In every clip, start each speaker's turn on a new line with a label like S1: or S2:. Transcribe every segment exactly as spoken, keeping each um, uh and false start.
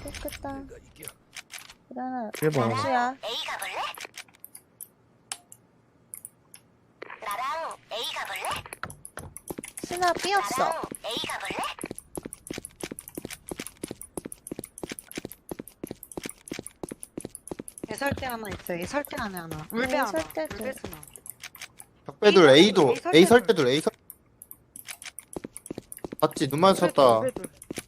S1: 좋겠다. 그러면
S2: 대박.
S1: 단수야.
S3: A 가볼래? 나랑 A 가볼래?
S1: 스나 삐 없어.
S3: 나랑 A 가볼래?
S4: 애설대 하나 있어. 애설대 안에 하나. 울배
S1: 어,
S4: 하나.
S1: 설대도.
S4: 울배 쓰나.
S2: 적배들 A도
S4: A
S2: A 설대들 A 설 봤지? 눈 마주쳤다.
S4: 울배들.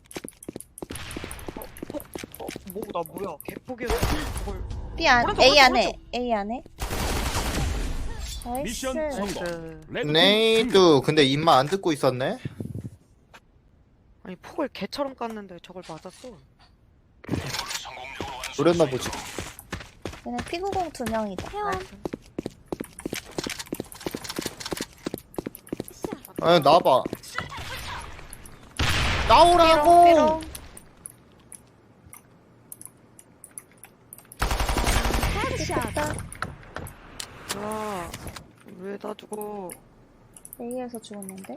S4: 어, 어, 어, 뭐, 나 뭐야? 개폭이었어. 그걸.
S1: B 안,
S4: 오른쪽,
S1: A
S4: 오른쪽,
S1: 안에.
S4: 오른쪽.
S1: A 안에. 나이스.
S5: 미션 성공.
S4: 나이스.
S2: 네이도 근데 입만 안 듣고 있었네.
S4: 아니, 폭을 개처럼 깠는데 저걸 맞았어.
S2: 노렸나 보지.
S1: 얘네 피구공 두 명이다.
S4: 나이스.
S2: 아 나와봐. 나오라고.
S1: 삐롱. 좋겠다.
S4: 아, 왜 나 두고
S1: A에서 죽었는데?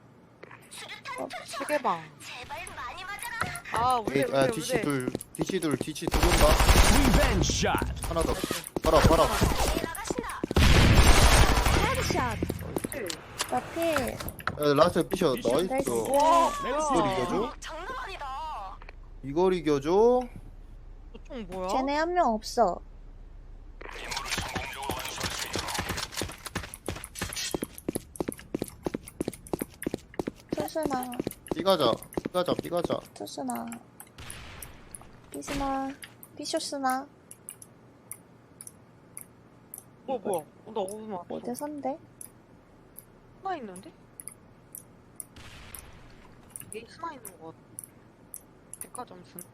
S4: 시계방.
S3: 제발 많이 맞아라.
S4: 아, 울배,
S2: 에이,
S4: 울배,
S2: 아
S4: 울배.
S2: 디시 둘 디시 둘 디시 둘 온다.
S5: 리벤지 샷.
S2: 하나 더. 봐라 봐라.
S3: A 나가신다.
S1: 나 필.
S2: 야, 라스트 피셔. 나이스.
S1: 나이스.
S4: 와,
S2: 이걸
S4: 뭐야.
S2: 이겨줘?
S3: 장난 아니다.
S2: 이걸 이겨줘?
S4: 저총 뭐야?
S1: 쟤네 한 명 없어. 투수나,
S2: 삐가자. 삐가자 삐가자.
S1: 투수나, 삐스나, 삐쇼스나,
S4: 뭐, 뭐야? 어, 나 어디서 맞았어?
S1: 어디 선대?
S4: 하나 있는데? 여기 하나 있는 거 같아. 백화점 순.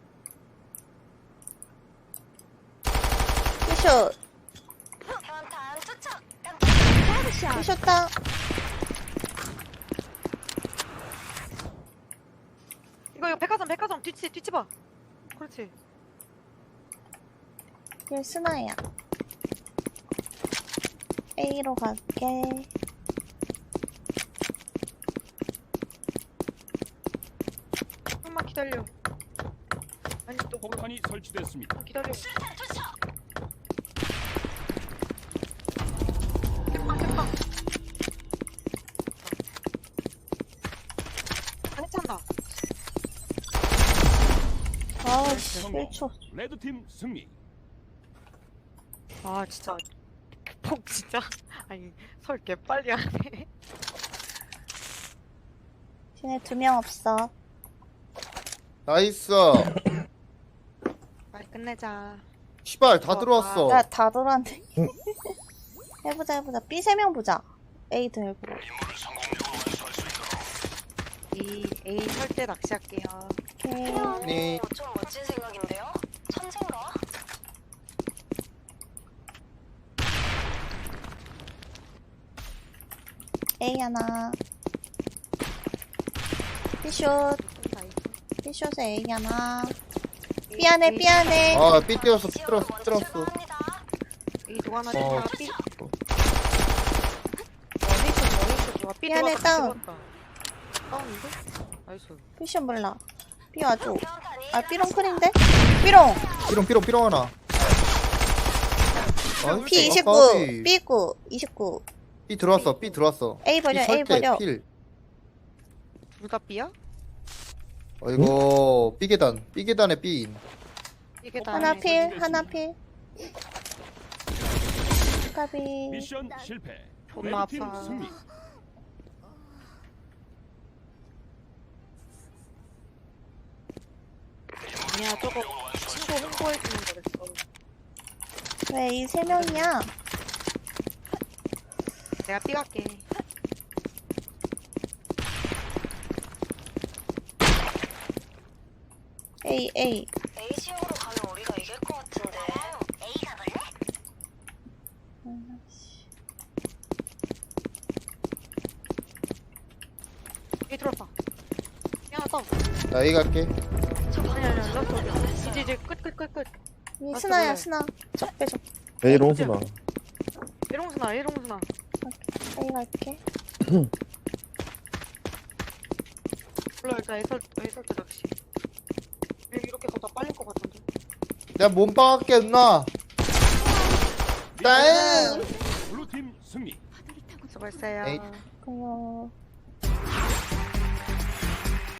S1: 삐쇼,
S3: 현탄 투척.
S1: 삐쇼다.
S4: 이거 이거 백화점 백화점 뒤치 뒤치 봐. 그렇지.
S1: 얘 스나야. A로 갈게.
S4: 조금만 기다려. 아니 또 거기
S5: 폭탄이 설치됐습니다.
S4: 기다려.
S3: 수류탄 투척.
S4: 땜빵 땜빵. 안 찬다.
S1: 아, 씨, 일 초.
S5: 레드팀 승리.
S4: 아 진짜 폭 진짜 아니 설 개빨리 하네.
S1: 쟤네 두 명 없어.
S2: 나이스.
S4: 빨리 끝내자.
S2: 시발 다
S4: 어,
S2: 들어왔어.
S1: 야, 다 돌았네. 해보자, 해보자. B 세 명 보자. A 들고.
S4: 이 A 설때 낚시할게요.
S1: 오케이.
S2: 네.
S3: 오, 좀 멋진 생각인데요? 천생가?
S1: A 하나. B숏. B숏에 A 하나. B 안에, B 안에.
S2: 아 삐 뛰었어 삐 들었어 삐 들었어.
S3: 출동합니다.
S4: A 누가 하나
S2: 어.
S4: 어. B. 원히트 원히트 좋아. B
S1: 미안해,
S4: 들어갔다,
S1: 다운.
S4: 들어갔다. 다운인데? 나이스.
S1: B숏 몰라. B 와줘.
S3: 현탄이
S1: 아, B롱 클인데? B롱!
S2: 삐롱 삐롱 삐롱 하나. 나이스.
S1: P 이십구.
S2: 아까비.
S1: B 구. 이십구.
S2: 삐 들어왔어 삐 들어왔어.
S1: A 버려,
S2: 삐
S1: A
S2: 설대
S1: 버려.
S2: 필.
S4: 둘 다 B야?
S2: 어 이거 삐 계단 삐 계단에 삐.
S4: 이게 다
S1: 하나
S4: 아니고.
S1: 필, 하나 필. 까비.
S5: 미션 실패.
S4: 존나
S5: 레드팀
S4: 아파.
S5: 승리.
S4: 아니야 저거 친구 홍보해주는 거랬어.
S1: 왜 이 세 명이야?
S4: 내가 B 갈게.
S1: A, A.
S3: A 지역으로 가면 우리가 이길 것 같은데. A 가볼래?
S1: 음, 씨.
S4: A 들어왔다. 야 나.
S2: 나 A 갈게.
S4: 아니 아니 아니 나 저기. 이제 이제 끝 끝 끝 끝.
S1: 이
S4: 아,
S1: 스나야,
S4: 저거야.
S1: 스나. 적배, 적.
S2: A
S4: 롱스나. A롱스나 A롱스나.
S1: A 갈게.
S4: 몰라 일단 애설 애설 때 낚시. 이렇게 가다 빨릴 것 같은데.
S2: 내가 몸빵 할게 누나. 땡.
S5: 블루팀 승리.
S4: 수고했어요.
S2: 에잇.
S1: 그요.